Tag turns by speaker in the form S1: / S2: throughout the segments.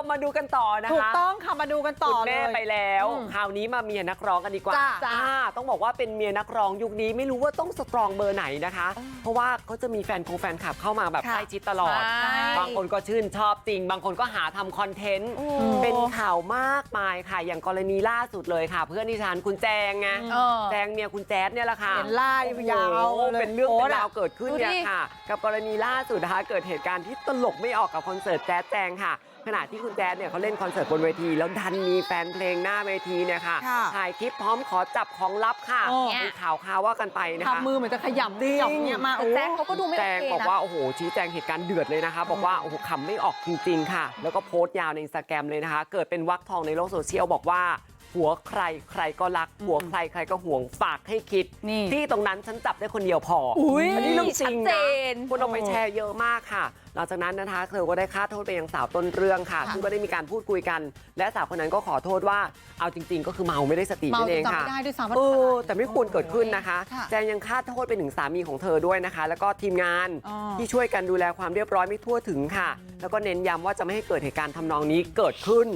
S1: มาดูกันต่อนะคะ
S2: ถูกต้องค่ะมาดูกันต่อเลย
S1: คุณแม่ไปแล้วคราวนี้มาเมียนักร้องกันดีกว่าต้องบอกว่าเป็นเมียนักร้องยุคนี้ไม่รู้ว่าต้องสตรองเบอร์ไหนนะคะเพราะว่าเขาจะมีแฟนคลับเข้ามาแบบใกล้ชิดตลอดบางคนก็ชื่นชอบจริงบางคนก็หาทำคอนเทนต์เป็นข่าวมากมายค่ะอย่างกรณีล่าสุดเลยค่ะเพื่อนดิฉันคุณแจงไงแจงเมียคุณแจ๊ดเนี่ยแหละค่ะ
S2: เป็นล่ายาว
S1: เป็นเรื่องเป็นราวเกิดขึ้นเนี่ยค่ะกับกรณีล่าสุดนะคะเกิดเหตุการณ์ที่ตลกไม่ออกกับคอนเสิร์ตแจ๊ดแจงค่ะขณะที่คุณแจ๊ดเนี่ยเขาเล่นคอนเสิร์ตบนเวทีแล้วดันมีแฟนเพลงหน้าเวทีเนี่ยค่ะถ่ายคลิปพร้อมขอจับของลับค่ะมีข่าวว่ากันไปนะคะ
S2: ทำมือเหมือนจะขยำเนี่ยมา
S3: แจ๊ดเขาก็ดูไม่โอเคนะ
S1: แจงบอกว่าโอ้โหชี้แจงเหตุการณ์เดือดเลยนะคะบอกว่าโอ้โหขำไม่ออกจริงๆค่ะแล้วก็โพสต์ยาวใน Instagram เลยนะคะเกิดเป็นวรรคทองในโลกโซเชียลบอกว่าหัวใครใครก็รักหัวใครใครก็ห่วงฝากให้คิดที่ตรงนั้นฉันจับได้คนเดียวพออันนี้เรื่องจริงนะคนเอาไปแชร์เยอะมากค่ะหลังจากนั้นนะคะเธอก็ได้ฆ่าโทษไปยังสาวต้นเรื่องค่ะซึ่งก็ได้มีการพูดคุยกันและสาวคนนั้นก็ขอโทษว่าเอาจริงๆก็คือเมาไม่ได้สตินั่นเองค่ะแต่ไม่ควรเกิดขึ้นนะคะแจงยังฆ่าโทษไปถึงสามีของเธอด้วยนะคะแล้วก็ทีมงานที่ช่วยกันดูแลความเรียบร้อยไม่ทั่วถึงค่ะแล้วก็เน้นย้ำว่าจะไม่ให้เกิดเหตุการณ์ทำนองนี้เกิดขึ้น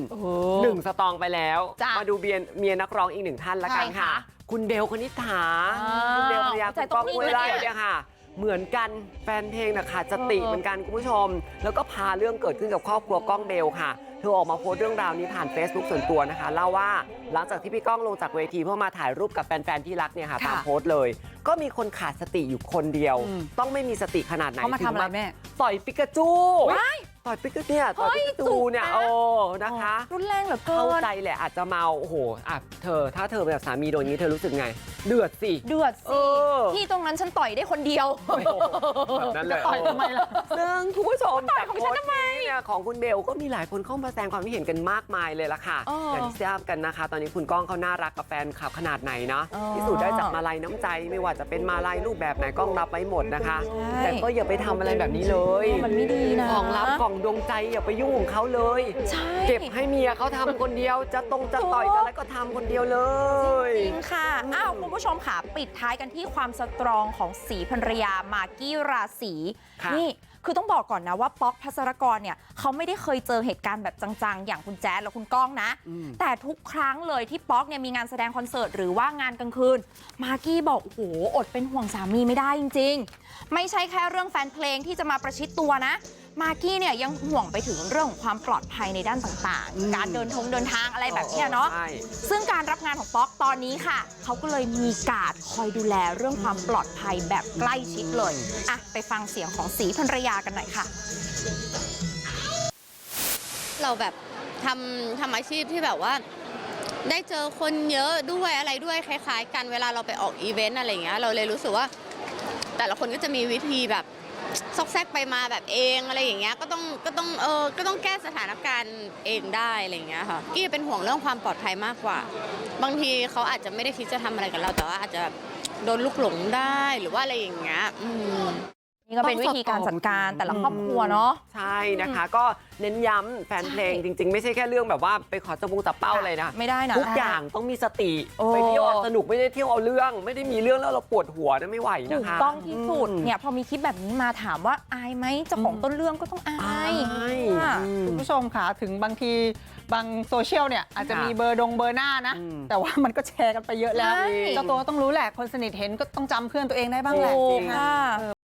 S1: 1สตางค์ไปแล้วมาดูเมียนักร้องอีก1ท่านละกันค่ะคุณเบลคณิษฐาคุณเบลภรรยาคุณก้องห้วยไร่เนี่ยค่ะเหมือนกันแฟนเพลงนะคะสติเหมือนกันคุณผู้ชมแล้วก็พาเรื่องเกิดขึ้นกับครอบครัวก้องเบลค่ะเธอออกมาโพสต์เรื่องราวนี้ผ่าน Facebook ส่วนตัวนะคะเล่าว่าหลังจากที่พี่ก้องลงจากเวทีเพื่อมาถ่ายรูปกับแฟนๆที่รักเนี่ยค่ะตามโพสต์เลยก็มีคนขาดสติอยู่คนเดียวต้องไม่มีสติขนาดไหน
S2: ถึงมา
S1: ต่อยปิกาจูต่อยปิกาเนี่ยต่อยปิกาจูเนี่ยนะคะ
S3: รุนแรงเหลือเกิน
S1: เข้าใจแหละอาจจะเมาโอ้โหถ้าเธอแบบสามีโดนนี้เธอรู้สึกไงเดือดสิ
S3: ที่ตรงนั้นฉันต่อยได้คนเดียว
S1: แบบนั้นเลย
S2: ต่อยทำไมล่ะ
S1: ซึ่งคุณผู้ชมจากโพสต์เนี่ยของคุณเบลก็มีหลายคนเข้ามาแสดงความคิดเห็นกันมากมายเลยล่ะค่ะอย่างที่ทราบกันนะคะตอนนี้คุณก้องเขาน่ารักกับแฟนคลับขนาดไหนนะพิสูจน์ได้จากมาลัยน้ำใจไม่ว่าจะเป็นมาลัยรูปแบบไหนก้องรับไว้หมดนะคะแต่ก็อย่าไปทำอะไรแบบนี้เลย
S3: มันไม่ดีนะ
S1: ของลับของดวงใจอย่าไปยุ่งของเขาเลยเก็บให้เมียเขาทำคนเดียวจะต่อยอะไรก็ทำคนเดียวเลย
S3: จริงค่ะคุณผู้ชมค่ะปิดท้ายกันที่ความสตรองของศรีภรรยามากกี้ราศีนี่คือต้องบอกก่อนนะว่าป๊อกภัสรกรเนี่ยเขาไม่ได้เคยเจอเหตุการณ์แบบจังๆอย่างคุณแจ๊ดและคุณก้องนะแต่ทุกครั้งเลยที่ป๊อกเนี่ยมีงานแสดงคอนเสิร์ตหรือว่างานกลางคืนมากกี้บอกโอ้โหอดเป็นห่วงสามีไม่ได้จริงๆไม่ใช่แค่เรื่องแฟนเพลงที่จะมาประชิดตัวนะมากกี้เนี่ยยังห่วงไปถึงเรื่องของความปลอดภัยในด้านต่างๆการเดินทางอะไรแบบนี้เนาะซึ่งการรับงานของป๊อกตอนนี้ค่ะเขาก็เลยมีการ์ดคอยดูแลเรื่องความปลอดภัยแบบใกล้ชิดเลยไปฟังเสียงของศรีภรรยากันหน่อยค่ะ
S4: เราแบบทำอาชีพที่แบบว่าได้เจอคนเยอะด้วยอะไรด้วยคล้ายๆกันเวลาเราไปออกอีเวนต์อะไรอย่างเงี้ยเราเลยรู้สึกว่าแต่ละคนก็จะมีวิธีแบบซอกแซกไปมาแบบเองอะไรอย่างเงี้ยก็ต้องแก้สถานการณ์เองได้อะไรอย่างเงี้ยค่ะกี้เป็นห่วงเรื่องความปลอดภัยมากกว่าบางทีเขาอาจจะไม่ได้คิดจะทำอะไรกับเราแต่ว่าอาจจะโดนลุกหลงได้หรือว่าอะไรอย่างเงี้ย
S3: นี่ก็เป็นวิธีการจัดการแต่ละครอบครัวเนาะ
S1: ใช่นะคะก็เน้นย้ำแฟนเพลงจริงๆไม่ใช่แค่เรื่องแบบว่าไปขอจับเป้าเลยนะ
S3: ไม่ได้นะ
S1: ทุกอย่างต้องมีสติไปเที่ยวสนุกไม่ได้เที่ยวเอาเรื่องไม่ได้มีเรื่องแล้วเราปวดหัวนะไม่ไหวนะคะ
S3: ถูกต้องที่สุดเนี่ยพอมีคลิปแบบนี้มาถามว่าอายไหมเจ้าของต้นเรื่องก็ต้องอาย
S2: คุณผู้ชมค่ะถึงบางทีบางโซเชียลเนี่ยอาจจะมีเบอร์หน้านะแต่ว่ามันก็แชร์กันไปเยอะแล้วเจ้าตัวต้องรู้แหละคนสนิทเห็นก็ต้องจำเพื่อนตัวเองได้บ้างแหละ